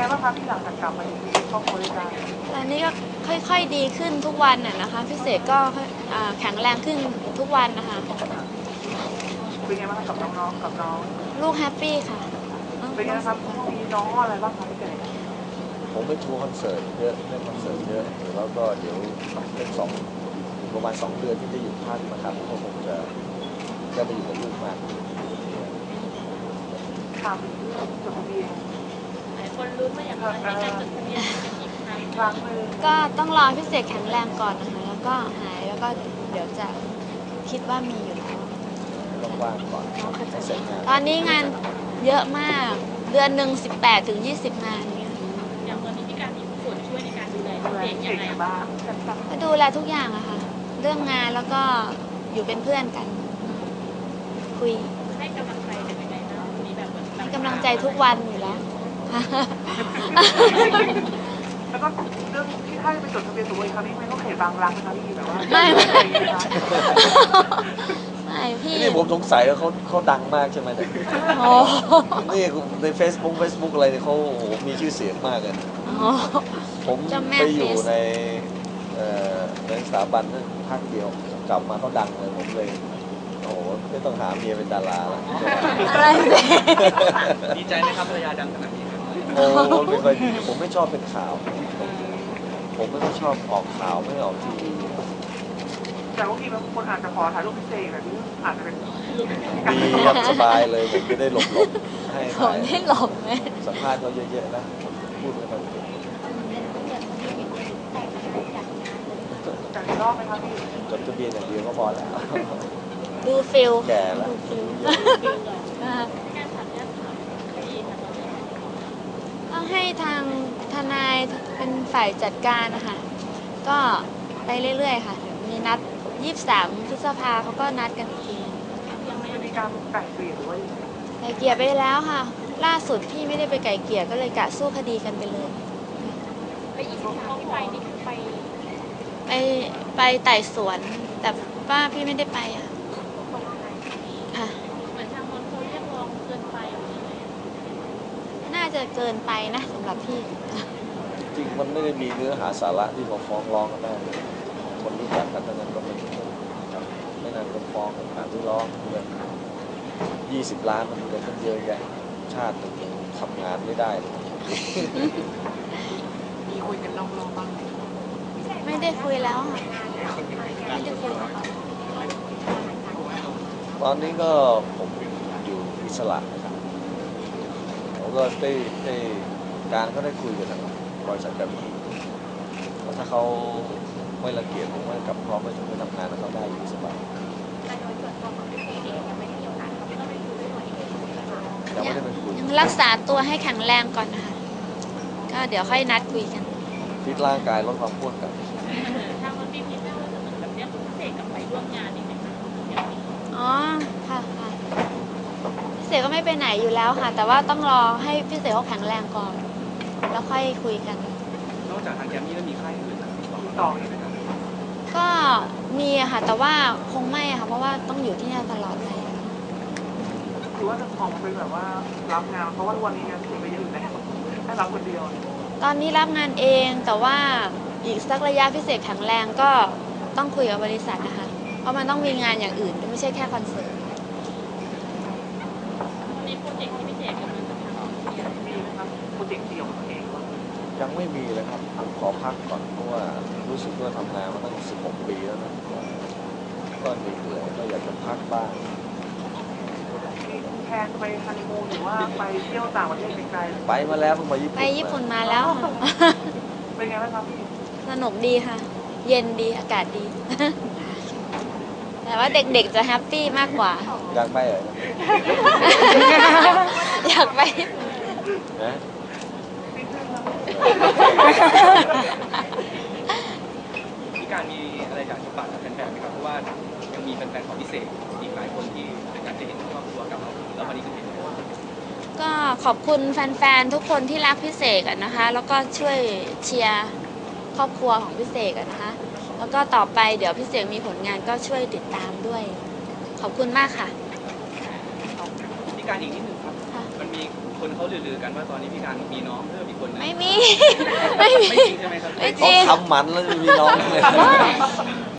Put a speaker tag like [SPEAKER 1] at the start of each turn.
[SPEAKER 1] บ้างคะที่หลังจากกลับมาอยู่ครอบครัวด้วยกัน
[SPEAKER 2] ตอนนี้ก็ค่อยๆดีขึ้นทุกวันนะคะพี่เสกก็แข็งแรงขึ้นทุกวันนะคะ
[SPEAKER 1] เป็นไงบ้างกับน้องๆกับน้อง
[SPEAKER 2] ลูกแฮปปี้ค่ะ
[SPEAKER 1] เป็นไงครับมีน้องอะไรบ้างคะพี่เสก
[SPEAKER 3] ผมไปทัวร์คอนเสิร์ตเยอะเล่นคอนเสิร์ตเยอะแล้วก็เดี๋ยวเป็นประมาณ2 เดือนที่จะอยู่ภาคนะครับก็คงจะไปอยู่กับลูกมาก
[SPEAKER 1] ถามจดทะเบียน
[SPEAKER 4] หลายคนรู้ว่าอยากจะให้การจดทะเบียนเป็นอีกครั้งนึง
[SPEAKER 2] ก็ต้องรอพี่เสกแข็งแรงก่อนนะคะแล้วก็หายแล้วก็เดี๋ยวจะคิดว่ามีอยู่แล้ว
[SPEAKER 3] ต้องว่างก่อน
[SPEAKER 2] ตอนนี้งานเยอะมากเดือนหนึ่ง18 ถึง 20 งานเนี่ย
[SPEAKER 4] อย่างตอนนี้พี่การมีส่วนช่วยในการดูแลเด็กยังไงบ้าง
[SPEAKER 2] ก็ดูแลทุกอย่างอะค่ะเรื่องงานแล้วก็อยู่เป็นเพื่อนกันคุย
[SPEAKER 4] ให้กำลังใจกันยังไงบ้างมีแบบ
[SPEAKER 2] ให้กำลังใจทุกวันอยู่แล้ว
[SPEAKER 1] แล้วก็เรื่องที่ถ้าจะไปจดทะเบียนสมรสครั้งนี้ไม่ต้องเขตบางรักนะคะพี่แบบว่า
[SPEAKER 2] ไม่พี่
[SPEAKER 3] นี่ผมสงสัยว่าเขาดังมากใช่ไหมเนี่ยนี่ใน Facebook อะไรเนี่ยเขาโอ้โหมีชื่อเสียงมากเลยผมไปอยู่ในสถาบันนั้นพักเดียวกลับมาเขาดังเลยผมเลยโอ้โหไม่ต้องหาเมียเป็นดาราแล้ว
[SPEAKER 5] ดีใจไหมครับภรรยาดังขนาดนี้
[SPEAKER 3] โอ้ไม่ค่อยดีผมไม่ชอบเป็นข่าวผมไม่ค่อยชอบออกข่าวไม่ออกทีวี
[SPEAKER 1] แต่บางทีบางคนอาจจะขอถ่ายรูปพิเศษแบบนี้อาจจะเป็น
[SPEAKER 3] ดีครับสบายเลยผมจะได้หลบให้
[SPEAKER 2] ขอให้หลบไหม
[SPEAKER 3] สัมภาษณ์เขาเยอะๆนะพูดไม่ค่อยเก่ง
[SPEAKER 1] จากรอบไหมครับพี่
[SPEAKER 3] จดทะเบียนอย่างเดียวก็พอแล้ว
[SPEAKER 2] ดูฟิล
[SPEAKER 3] แก่แล้ว
[SPEAKER 2] ต้องให้ทางทนายเป็นฝ่ายจัดการนะคะก็ไปเรื่อยๆค่ะมีนัด23 พฤษภาเขาก็นัดกันอีกที
[SPEAKER 1] ยังไม่มีการไก่เกลี่ยหรือว่า
[SPEAKER 2] ไก่เกลี่ยไปแล้วค่ะล่าสุดพี่ไม่ได้ไปไก่เกลี่ยก็เลยกะสู้คดีกันไปเลย
[SPEAKER 4] ไปอีกที่ไปนี่คือ
[SPEAKER 2] ไปไต่สวนแต่ว่าพี่ไม่ได้ไปค่ะ
[SPEAKER 4] เหมือนทางคนเขาเรียกร้องเกินไป
[SPEAKER 2] น่าจะเกินไปนะสำหรับพี่
[SPEAKER 3] จริงมันไม่ได้มีเนื้อหาสาระที่มาฟ้องร้องกันได้คนรู้จักกันทั้งนั้นก็ไม่นานก็ฟ้องกันการที่ร้องเงิน20 ล้านมันเงินตั้งเยอะแยะชาติหนึ่งทำงานไม่ได้
[SPEAKER 1] มีคุยกันลองบ้าง
[SPEAKER 2] ไม่ได้คุยแล้วไม่ได้คุย
[SPEAKER 3] ตอนนี้ก็ผมอยู่อิสระนะครับผมก็ได้การก็ได้คุยกันนะครับบริษัทแบบนี้ถ้าเขาไม่รังเกียจผมว่ากลับพร้อมไปทำงานแล้วเขาได้อยู่สบายยังไม่ได้ไปคุย
[SPEAKER 2] รักษาตัวให้แข็งแรงก่อนนะคะก็เดี๋ยวค่อยนัดคุยกัน
[SPEAKER 3] ฟิตร่างกายลดความอ้วนกัน
[SPEAKER 4] ทางวันพี่พิจารณาจะเหมือนแบบเนี้ยคุณเสกกลับไปร่วมงานอีกไหมคะ
[SPEAKER 2] อ๋อค่ะพี่เสกก็ไม่ไปไหนอยู่แล้วค่ะแต่ว่าต้องรอให้พี่เสกเขาแข็งแรงก่อนแล้วค่อยคุยกัน
[SPEAKER 5] นอกจากทางแกมมี่แล้วมีค่ายอื่น
[SPEAKER 1] ต่ออีกไหมครับ
[SPEAKER 2] ก็มีค่ะแต่ว่าคงไม่ค่ะเพราะว่าต้องอยู่ที่นี่ตลอดไป
[SPEAKER 1] คือว่าจะออกมาเป็นแบบว่ารับงานเพราะว่าวันนี้งานถึงไปเยอะอยู่แล้วให้รับคนเดียว
[SPEAKER 2] ตอนนี้รับงานเองแต่ว่าอีกสักระยะพิเศษแข็งแรงก็ต้องคุยกับบริษัทนะคะเพราะมันต้องมีงานอย่างอื่นไม่ใช่แค่คอนเสิร์ต
[SPEAKER 4] มีโปรเจกต์ที่พิเศษกำลังจะทำ
[SPEAKER 1] มีไหมครับโปรเจกต์เดี่ยวของตัวเอง
[SPEAKER 3] ยังไม่มีเลยครับผมขอพักก่อนเพราะว่ารู้สึกว่าทำงานมาตั้ง16 ปีแล้วนะก็เหนื่อยก็อยากจะพักบ้าง
[SPEAKER 1] แทนไปฮันนีมูนหรือว่าไปเที่ยวต่างประเทศไกลๆ
[SPEAKER 3] ไปมาแล้วเพิ่งมาญี่ปุ่น
[SPEAKER 2] ไปญี่ปุ่นมาแล้ว
[SPEAKER 1] เป็นไงบ้างครับพี่
[SPEAKER 2] สนุกดีค่ะเย็นดีอากาศดีแต่ว่าเด็กๆจะแฮปปี้มากกว่า
[SPEAKER 3] อยากไปเหรอ
[SPEAKER 2] อยากไป
[SPEAKER 3] นะ
[SPEAKER 5] พี่การมีอะไรอยากจะฝากกับแฟนๆไหมครับเพราะว่ายังมีแฟนๆของพิเศษอีกหลายคนที่อยากจะเห็นครอบครัวกับเราแล้ววันนี้ก็เห็น
[SPEAKER 2] ก็ขอบคุณแฟนๆทุกคนที่รักพิเศษกันนะคะแล้วก็ช่วยเชียร์ครอบครัวของพิเศษกันนะคะแล้วก็ต่อไปเดี๋ยวพิเศษมีผลงานก็ช่วยติดตามด้วยขอบคุณมากค่ะ
[SPEAKER 5] พี่การอีกนิดนึงครับมันมีคนเขาลือๆกันว่าตอนนี้พี่การมีน้องเพิ่มอีกคนนึง
[SPEAKER 2] ไม่มี ไม่มี
[SPEAKER 5] ไม่จริงใช่ไหมครับ
[SPEAKER 2] ไม่จ
[SPEAKER 3] เขา
[SPEAKER 2] ริง
[SPEAKER 3] ทำหมันแล้วจะมีน้องเลย